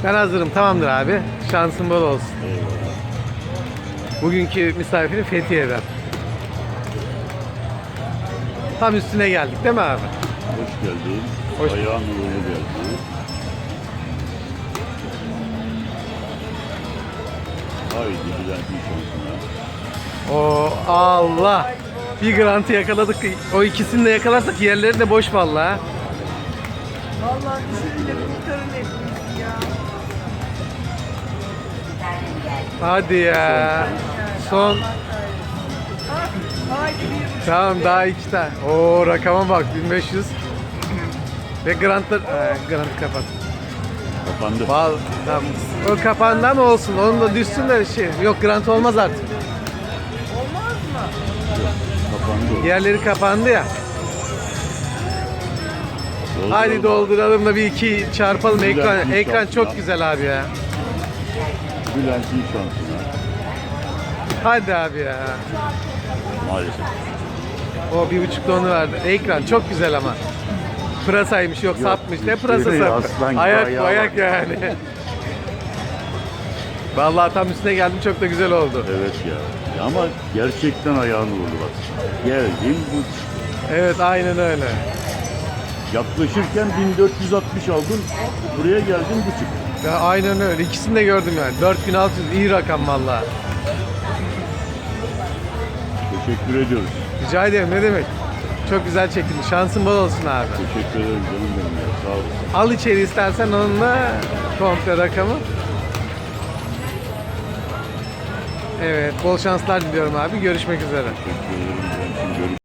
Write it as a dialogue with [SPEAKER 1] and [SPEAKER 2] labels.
[SPEAKER 1] Ben hazırım. Tamamdır abi. Şansın bol olsun.
[SPEAKER 2] Eyvallah.
[SPEAKER 1] Bugünkü misafirim Fethiye'den. Tam üstüne geldik değil mi abi?
[SPEAKER 2] Hoş geldin.
[SPEAKER 1] Hoş-
[SPEAKER 2] Ayağın uğurlu geldi. Haydi Bülent'in şansına.
[SPEAKER 1] O Allah. Bir grantı yakaladık. O ikisini de yakalarsak yerleri de boş vallahi.
[SPEAKER 3] Vallahi düşününce kurtarın hepimiz ya.
[SPEAKER 1] Hadi ya. Son.
[SPEAKER 3] Haydi bir
[SPEAKER 1] Tamam daha iki tane. Oo rakama bak 1500. Ve grantlar grantı kapat.
[SPEAKER 2] Kapandı.
[SPEAKER 1] Tamam. O kapandı ama olsun. Onun da düşsün de şey. Yok grant olmaz artık.
[SPEAKER 3] olmaz mı?
[SPEAKER 2] Kapandı.
[SPEAKER 1] Yerleri kapandı ya.
[SPEAKER 2] Dolduralım.
[SPEAKER 1] Hadi dolduralım da bir iki çarpalım ekran.
[SPEAKER 2] Bülent'in
[SPEAKER 1] Ekran
[SPEAKER 2] şansına.
[SPEAKER 1] çok güzel abi ya.
[SPEAKER 2] Bülent'in şansına.
[SPEAKER 1] Hadi abi ya.
[SPEAKER 2] Maalesef.
[SPEAKER 1] O 1,5 tonu verdi. Ekran çok güzel ama. Pırasaymış yok sapmış. Ne pırasa
[SPEAKER 2] şey,
[SPEAKER 1] sapı?
[SPEAKER 2] aslan gibi
[SPEAKER 1] Ayak
[SPEAKER 2] ayağı
[SPEAKER 1] ayak
[SPEAKER 2] var.
[SPEAKER 1] yani. Vallahi tam üstüne geldim çok da güzel oldu.
[SPEAKER 2] Evet ya. Ama gerçekten ayağın uğurlu bak. Geldin bu
[SPEAKER 1] Evet aynen öyle.
[SPEAKER 2] yaklaşırken 1460 aldın. Buraya geldin bu çıktı.
[SPEAKER 1] Ya aynen öyle. İkisini de gördüm yani. 4600 iyi rakam vallahi.
[SPEAKER 2] Teşekkür ediyoruz.
[SPEAKER 1] Rica ederim ne demek. Çok güzel çekildi. Şansın bol olsun abi.
[SPEAKER 2] Teşekkür ederim canım benim ya. Sağ olasın.
[SPEAKER 1] Al içeri istersen onunla komple rakamı. Evet, bol şanslar diliyorum abi. Görüşmek üzere.
[SPEAKER 2] Teşekkür ederim.